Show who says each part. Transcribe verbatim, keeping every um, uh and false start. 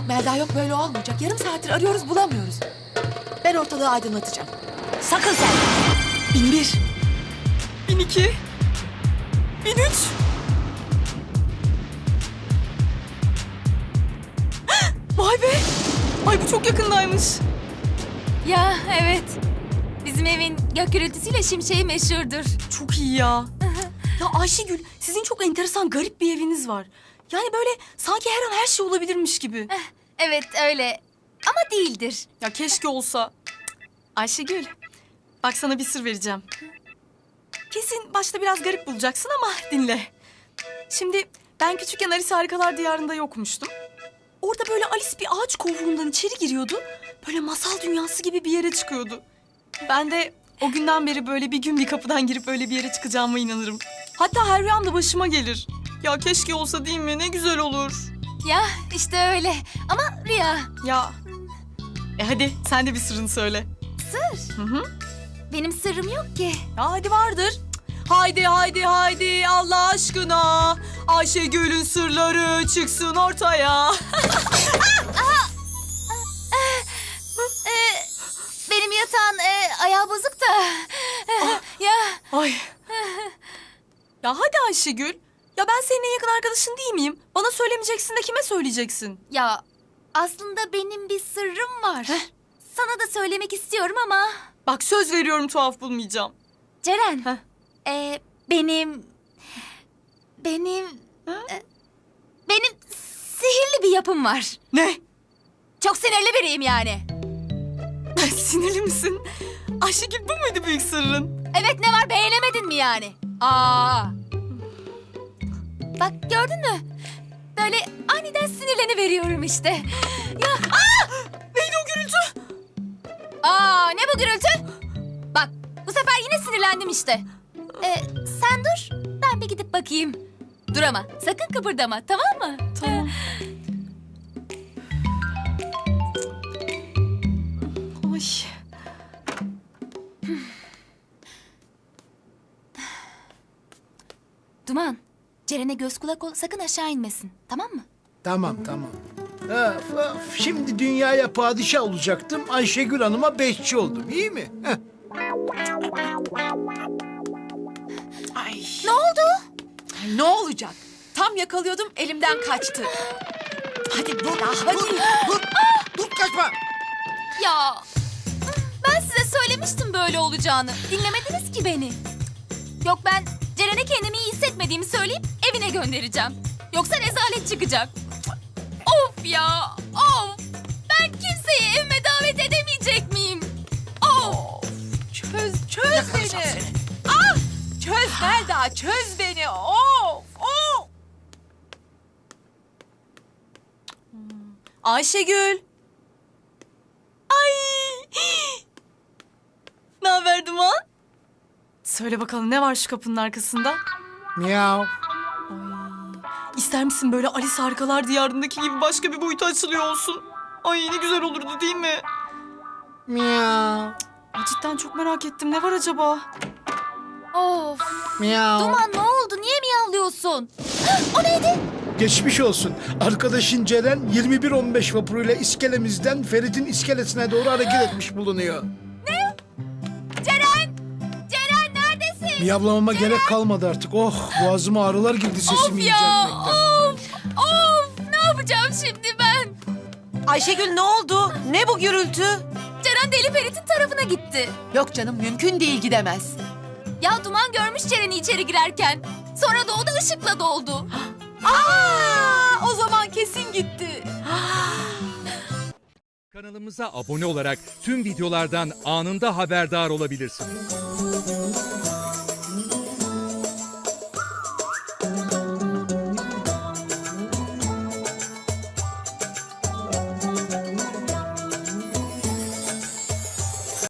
Speaker 1: Yok Melda yok, böyle olmayacak. Yarım saattir arıyoruz, bulamıyoruz. Ben ortalığı aydınlatacağım.
Speaker 2: Sakın sen.
Speaker 1: Bin bir.
Speaker 2: Bin iki. Bin üç. Vay be. Ay bu çok yakındaymış.
Speaker 3: Ya evet. Bizim evin gök gürültüsüyle şimşeği meşhurdur.
Speaker 2: Çok iyi ya. Ya Ayşegül, sizin çok enteresan, garip bir eviniz var. Yani böyle sanki her an her şey olabilirmiş gibi.
Speaker 3: Evet öyle ama değildir.
Speaker 2: Ya keşke olsa. Ayşegül, bak sana bir sır vereceğim. Kesin başta biraz garip bulacaksın ama dinle. Şimdi ben küçükken Alice Harikalar Diyarı'nda yokmuştum. Orada böyle Alice bir ağaç kovuğundan içeri giriyordu. Böyle masal dünyası gibi bir yere çıkıyordu. Ben de o günden beri böyle bir gün bir kapıdan girip öyle bir yere çıkacağıma inanırım. Hatta her rüyamda başıma gelir. Ya keşke olsa değil mi? Ne güzel olur.
Speaker 3: Ya işte öyle ama rüya.
Speaker 2: Ya. E hadi sen de bir sırrını söyle.
Speaker 3: Sır.
Speaker 2: Hı hı.
Speaker 3: Benim sırrım yok ki.
Speaker 2: Ya hadi vardır. Haydi haydi haydi Allah aşkına. Ayşegül'ün sırları çıksın ortaya.
Speaker 3: Ee, benim yatağın e, ayağı bozuk da. Ya
Speaker 2: Ay. Ya hadi Ayşegül. Ya ben senin en yakın arkadaşın değil miyim? Bana söylemeyeceksin de kime söyleyeceksin?
Speaker 3: ya aslında benim bir sırrım var. Sana da söylemek istiyorum ama.
Speaker 2: Bak söz veriyorum tuhaf bulmayacağım.
Speaker 3: Ceren.
Speaker 2: Heh.
Speaker 3: e, benim benim e, benim sihirli bir yapım var.
Speaker 2: Ne?
Speaker 3: Çok sinirli biriyim yani.
Speaker 2: Sinirli misin? Ayşegül bu muydu büyük sırrın?
Speaker 3: Evet, ne var, beğenemedin mi yani? Aa. Bak gördün mü? Böyle aniden sinirleniveriyorum işte. Ya aa!
Speaker 2: Neydi o gürültü?
Speaker 3: Aa, ne bu gürültü? Bak bu sefer yine sinirlendim işte. Ee, sen dur, ben bir gidip bakayım. Dur ama sakın kıpırdama, tamam mı?
Speaker 2: Tamam. Ay.
Speaker 3: Duman, Ceren'e göz kulak ol, sakın aşağı inmesin, tamam mı?
Speaker 4: Tamam tamam. Öf, öf. Şimdi dünyaya padişah olacaktım. Ayşegül Hanım'a beşçi oldum. İyi mi? Heh.
Speaker 1: Ay,
Speaker 3: Ne oldu?
Speaker 1: ne olacak? Tam yakalıyordum, elimden kaçtı. Hadi dur, hadi.
Speaker 4: Dur, dur kaçma.
Speaker 3: Ya ben size söylemiştim böyle olacağını. Dinlemediniz ki beni. Yok, ben Ceren'e kendimi iyi hissetmediğimi söyleyip evine göndereceğim. Yoksa rezalet çıkacak. Of ya, of. Ben kimseyi evime davet edemeyecek miyim? Of.
Speaker 1: Çöz, çöz beni. Ah! Çöz Melda, çöz beni. Of, of.
Speaker 2: Ayşegül. Ay. Ne haber Duman? Söyle bakalım, ne var şu kapının arkasında?
Speaker 4: Miyav.
Speaker 2: İster misin böyle Alice Harikalar Diyarı'ndaki gibi başka bir boyuta açılıyor olsun? Ay ne güzel olurdu değil mi?
Speaker 4: Miyav.
Speaker 2: Ay, cidden çok merak ettim. Ne var acaba?
Speaker 3: Of.
Speaker 4: Miyav.
Speaker 3: Duman, ne oldu? Niye miyavlıyorsun? O neydi?
Speaker 4: Geçmiş olsun. Arkadaşın Ceren yirmi bir on beş vapuruyla iskelemizden Ferit'in iskelesine doğru hareket etmiş bulunuyor.
Speaker 3: Ceren! Ceren neredesin?
Speaker 4: Miyavlamama gerek kalmadı artık. Oh, boğazıma ağrılar girdi
Speaker 3: Of
Speaker 4: sesimi
Speaker 3: ya!
Speaker 4: inceltmekten.
Speaker 3: Of! Of! Ne yapacağım şimdi ben?
Speaker 1: Ayşegül ne oldu? Ne bu gürültü?
Speaker 3: Ceren Deli Ferit'in tarafına gitti.
Speaker 1: Yok canım, mümkün değil, gidemez.
Speaker 3: Ya Duman görmüş Ceren'i içeri girerken. Sonra da o da ışıkla doldu.
Speaker 1: Aa, o zaman kesin gitti.
Speaker 5: Kanalımıza abone olarak tüm videolardan anında haberdar olabilirsiniz.